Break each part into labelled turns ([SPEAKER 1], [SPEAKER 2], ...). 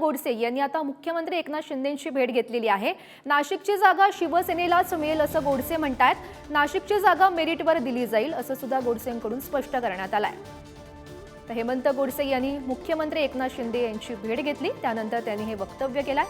[SPEAKER 1] गोडसे यांनी आता मुख्यमंत्री एकनाथ शिंदेंची भेट घेतलेली आहे। नाशिकची जागा शिवसेनेलाच मिळेल असं गोडसे म्हणतात। नाशिकची जागा मेरिटवर दिली जाईल असं सुद्धा गोडसेंकडून स्पष्ट करण्यात आलंय। तर हेमंत गोडसे यांनी मुख्यमंत्री एकनाथ शिंदे यांची भेट घेतली, त्यानंतर त्यांनी हे वक्तव्य केलंय।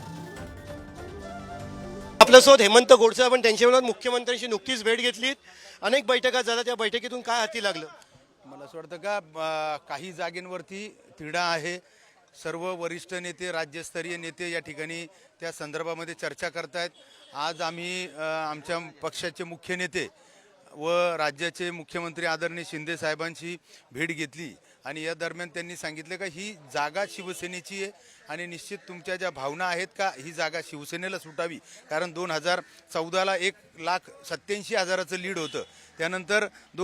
[SPEAKER 2] आपल्यासोबत हेमंत गोडसे आपण त्यांच्यावर मुख्यमंत्र्यांशी नुकतीच भेट घेतली, अनेक बैठका झाल्या, त्या बैठकीतून काय हाती लागलं?
[SPEAKER 3] मला असं वाटतं का काही जागेंवरती तिढा आहे। सर्व वरिष्ठ नेते, राज्यस्तरीय नेते या ठिकाणी त्या संदर्भामध्ये चर्चा करतायत। आज आम्ही आमच्या पक्षाचे मुख्य नेते व राज्याचे मुख्यमंत्री आदरणीय शिंदे साहेबांची भेट घेतली आणि या दरम्यान त्यांनी सांगितलं का ही जागा शिवसेनेची आहे आणि निश्चित तुमच्या ज्या भावना आहेत का ही जागा शिवसेनेला सुटावी, कारण 2014ला 1,87,000चं लीड होतं, त्यानंतर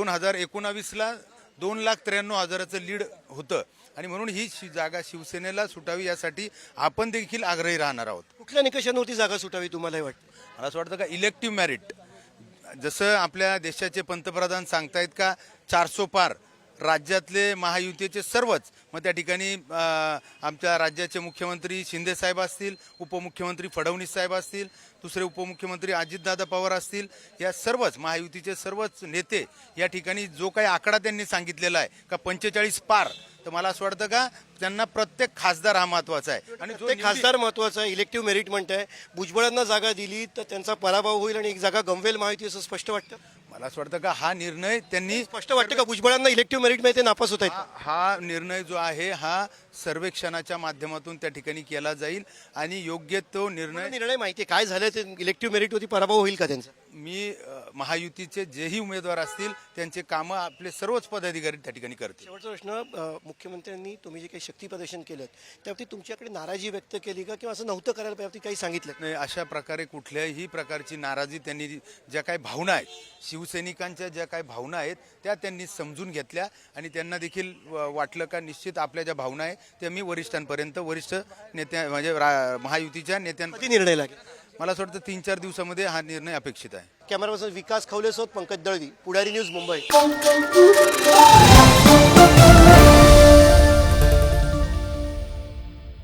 [SPEAKER 3] 2019ला 2,93,000चं लीड होतं आणि म्हणून ही जागा शिवसेनेला सुटावी यासाठी आपण देखील आग्रही राहणार आहोत।
[SPEAKER 2] कुठल्या निकषांवरती जागा सुटावी तुम्हाला हे वाटतं?
[SPEAKER 3] मला असं वाटतं का इलेक्टिव्ह मेरिट, जसं आपल्या देशाचे पंतप्रधान सांगतायत का 400 पार राज्यातले महायुतीचे सर्वच, मग त्या ठिकाणी आमच्या राज्याचे मुख्यमंत्री शिंदे साहेब असतील, उपमुख्यमंत्री फडणवीस साहेब असतील, दुसरे उपमुख्यमंत्री अजितदादा पवार असतील, या सर्वच महायुतीचे सर्वच नेते या ठिकाणी जो काही आकडा त्यांनी सांगितलेला आहे का 45 पार, तर मला असं वाटतं का त्यांना प्रत्येक खासदार हा महत्त्वाचा आहे आणि
[SPEAKER 2] ते खासदार महत्त्वाचा आहे। इलेक्टिव्ह मेरिट म्हणताय, भुजबळांना जागा दिली तर त्यांचा पराभव होईल आणि एक जागा गमवेल महायुती, असं स्पष्ट वाटतं?
[SPEAKER 3] मला असं वाटतं का हा निर्णय त्यांनी
[SPEAKER 2] स्पष्ट वाटतं का भुजबळांना इलेक्टिव्ह मेरिट मध्ये नापास होत आहेत?
[SPEAKER 3] हा निर्णय जो आहे हा सर्वेक्षणाच्या माध्यमातून त्या ठिकाणी केला जाईल आणि योग्य तो निर्णय
[SPEAKER 2] माहिती आहे काय झालं ते? इलेक्टिव्ह मेरिट होती, पराभव होईल का त्यांचा?
[SPEAKER 3] मी महायुतीचे जेही उमेदवार असतील त्यांचे कामं आपले सर्वच पदाधिकारी त्या ठिकाणी करतील।
[SPEAKER 2] शेवटचा प्रश्न, मुख्यमंत्र्यांनी तुम्ही जे काही शक्ती प्रदर्शन केलं त्यावरती तुमच्याकडे नाराजी व्यक्त केली का, किंवा असं नव्हतं करायला पाहिजे काही सांगितलं?
[SPEAKER 3] नाही, अशा प्रकारे कुठल्याही प्रकारची नाराजी त्यांनी, ज्या काही भावना आहेत शिवसैनिकांच्या, ज्या काही भावना आहेत त्या त्यांनी समजून घेतल्या आणि त्यांना देखील वाटलं का निश्चित आपल्या ज्या भावना आहेत त्या मी वरिष्ठांपर्यंत, वरिष्ठ नेत्या म्हणजे महायुतीच्या नेत्यांपर्यंत
[SPEAKER 2] निर्णय लागेल।
[SPEAKER 3] मला असं वाटतं 3-4 दिवसामध्ये हा निर्णय अपेक्षित आहे।
[SPEAKER 2] कॅमेरा पर्सन विकास खवलेसोबत पंकज दळवी, पुढारी न्यूज, मुंबई।